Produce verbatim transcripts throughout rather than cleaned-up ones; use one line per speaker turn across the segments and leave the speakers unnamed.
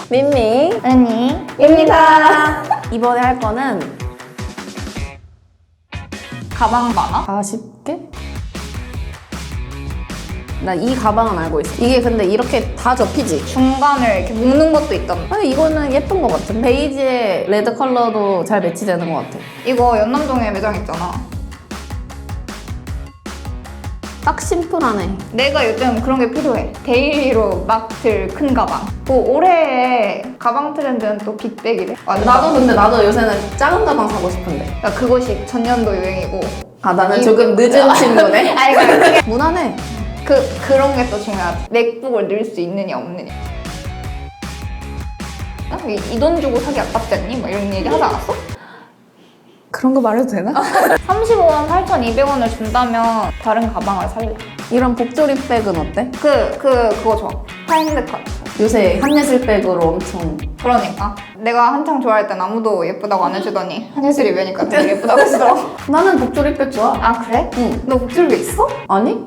민미
언니입니다.
이번에 할 거는
가방 많아?
사십 개? 나 이 가방은 알고 있어. 이게 근데 이렇게 다 접히지?
중간을 이렇게 묶는 것도 있던데.
아니 이거는 예쁜 것 같은. 베이지에 레드 컬러도 잘 매치되는 것 같아.
이거 연남동에 매장 있잖아.
딱 심플하네.
내가 요즘 그런 게 필요해. 데일리로 막 들 큰 가방. 또 올해의 가방 트렌드는 또 빅백이래. 완전.
나도 근데 나도 요새는 작은 가방 사고 싶은데.
그러니까 그것이 전년도 유행이고.
아 나는
이-
조금 늦은 친구네.
아니 그러니까 그게
무난해.
그 그런 게 또 중요하지. 맥북을 넣을 수 있느냐 없느냐. 이 돈 주고 사기 아깝지 않니? 뭐 이런 얘기 하지 않았어?
그런 거 말해도 되나?
삼십오 만 팔천이백 원을 준다면 다른 가방을 살래.
이런 복조립 백은 어때?
그, 그, 그거 좋아. 파인드컷.
요새 한예슬 백으로 엄청.
그러니까. 내가 한창 좋아할 땐 아무도 예쁘다고 안 해주더니 한예슬이 매니까 되게 예쁘다고 해주더라고.
나는 복조립 백 좋아.
아, 그래?
응.
너 복줄기 있어?
아니?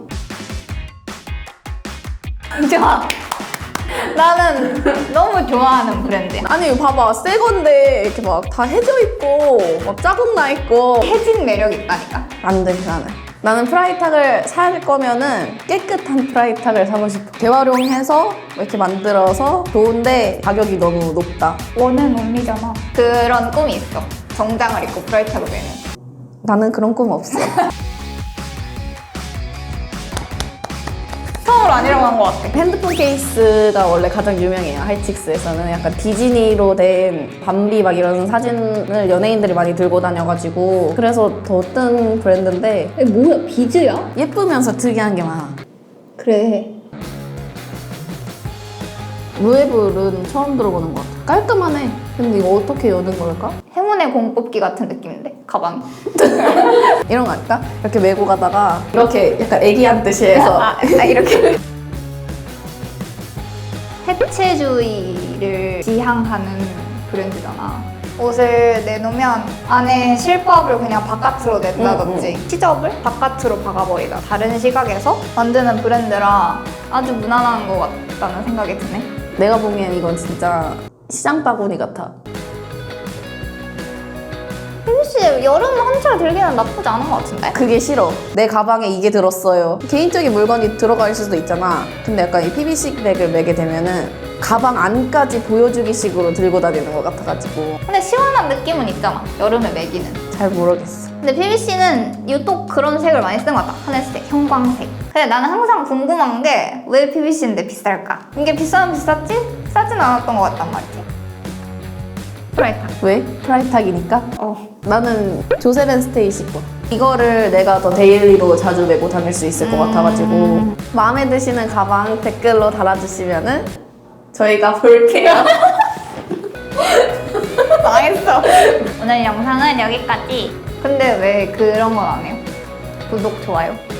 좋아. 나는 너무 좋아하는 브랜드야.
아니 봐봐 새 건데 이렇게 막 다 해져 있고 막 자국 나 있고
해진 매력 있다니까.
안 돼 나는. 나는 프라이탁을 살 거면은 깨끗한 프라이탁을 사고 싶어. 재활용해서 이렇게 만들어서 좋은데 가격이 너무 높다.
원은 온리잖아. 그런 꿈이 있어. 정장을 입고 브라이트하고 매는.
나는 그런 꿈 없어.
처음으로 아니라고 한 것 같아.
핸드폰 케이스가 원래 가장 유명해요. 하이칙스에서는 약간 디즈니로 된 밤비 막 이런 사진을 연예인들이 많이 들고 다녀가지고 그래서 더 뜬 브랜드인데
이게 뭐야? 비즈야?
예쁘면서 특이한 게 많아.
그래.
루에블은 처음 들어보는 것 같아. 깔끔하네. 근데 이거 어떻게 여는 걸까?
행운의 공 뽑기 같은 느낌인데? 가방이.
이런 거 할까? 이렇게 메고 가다가 이렇게 약간 애기한 뜻이 해서
아, 아, 이렇게. 해체주의를 지향하는 브랜드잖아. 옷을 내놓으면 안에 실밥을 그냥 바깥으로 낸다든지
음,
시접을 바깥으로 박아버리다. 다른 시각에서 만드는 브랜드라 아주 무난한 것 같다는 생각이 드네.
내가 보기엔 이건 진짜 시장 바구니 같아.
혜주씨 여름 한철 들기는 나쁘지 않은 것 같은데?
그게 싫어. 내 가방에 이게 들었어요. 개인적인 물건이 들어갈 수도 있잖아. 근데 약간 이 피비씨 백을 매게 되면은 가방 안까지 보여주기 식으로 들고 다니는 것 같아가지고
근데 시원한 느낌은 있잖아. 여름에 매기는.
잘 모르겠어.
근데 피비씨는 유독 그런 색을 많이 쓰는 것 같아. 하늘색, 형광색. 근데 나는 항상 궁금한 게 왜 피비씨인데 비쌀까? 이게 비싸면 비쌌지? 싸진 않았던 것 같단 말이지. 프라이탁.
왜? 프라이탁이니까?
어.
나는 조세벤 스테이시 거. 이거를 내가 더 데일리로 자주 메고 다닐 수 있을 것
음.
같아가지고 마음에 드시는 가방 댓글로 달아주시면은 저희가 볼게요.
망했어. 오늘 영상은 여기까지. 근데 왜 그런 건 안 해요? 구독, 좋아요.